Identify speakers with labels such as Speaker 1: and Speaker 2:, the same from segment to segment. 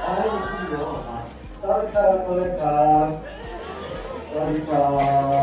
Speaker 1: สวัสดีครับสวัสดีครับสวัสดีครับ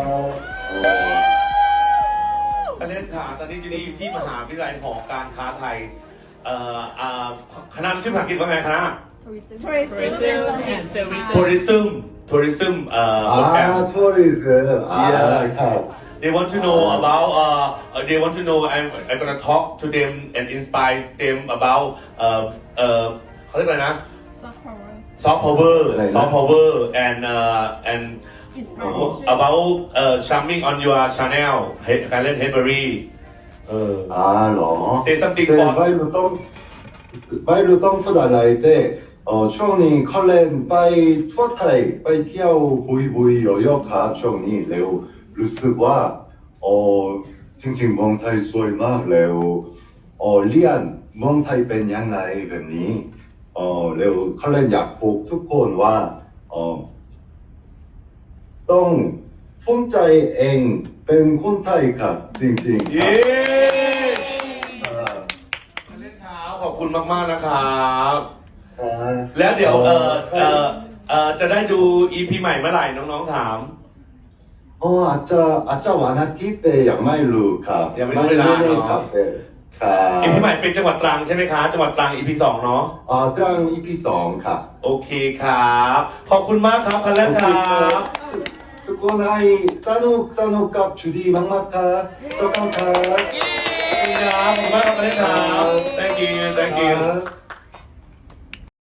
Speaker 2: คณะค่ะตอนนี้จีนี่อยู่ที่มหาวิทยาลัยหอการค้าไทยคณะชื่อภาษาอังกฤษว่าไงคณะ
Speaker 3: Tourism and services.
Speaker 2: tourism program
Speaker 1: tourismครับ
Speaker 2: they want to know about they want to know I'm gonna talk to them and inspire them about เขาเรียกอะไรนะ
Speaker 3: Soft power.
Speaker 2: soft power and
Speaker 3: Inspiration.
Speaker 2: about charming on your channel การเล่น Henry
Speaker 1: เหรอ
Speaker 2: say something
Speaker 1: แต่
Speaker 2: for
Speaker 1: ไม่รู้ต้องพูดอะไรแต่ช่วงนี้เขาเล่นไปทั่วไทยไปเที่ยวบุยเยอะๆครับช่วงนี้แล้วรู้สึกว่าจริงๆเมืองไทยสวยมากแล้วเรียนเมืองไทยเป็นยังไงแบบนี้แล้วเขาเล่นอยากบอกทุกคนว่าต้องภูมิใจเองเป็นคนไทยครับจริงๆครับ
Speaker 2: เล่นครับขอบคุณมากๆนะครับ
Speaker 1: ครับ
Speaker 2: แล้วเดี๋ยวจะได้ดู EP ใหม่เมื่อไหร่น้องๆถาม
Speaker 1: อาจจะวันอาทิตย์แต่ยังไม่รู้ครับ
Speaker 2: ยังไม่รู้เวลาเนอะ
Speaker 1: ครับแต่ครับ
Speaker 2: EP ใหม่เป็นจังหวัดตรังใช่ไหมคะจังหวัดตรัง EP 2เนาะ
Speaker 1: ตรัง EP 2ครับ
Speaker 2: โอเคครับขอบคุณมากครับคันแรกครับ
Speaker 1: ทุกคนให้สนุกกับจูดี้มากๆครับขอบคุณครับ
Speaker 2: ขอบคุณครับขอบคุณมากครับคันแรกครับ thank you
Speaker 1: ครับ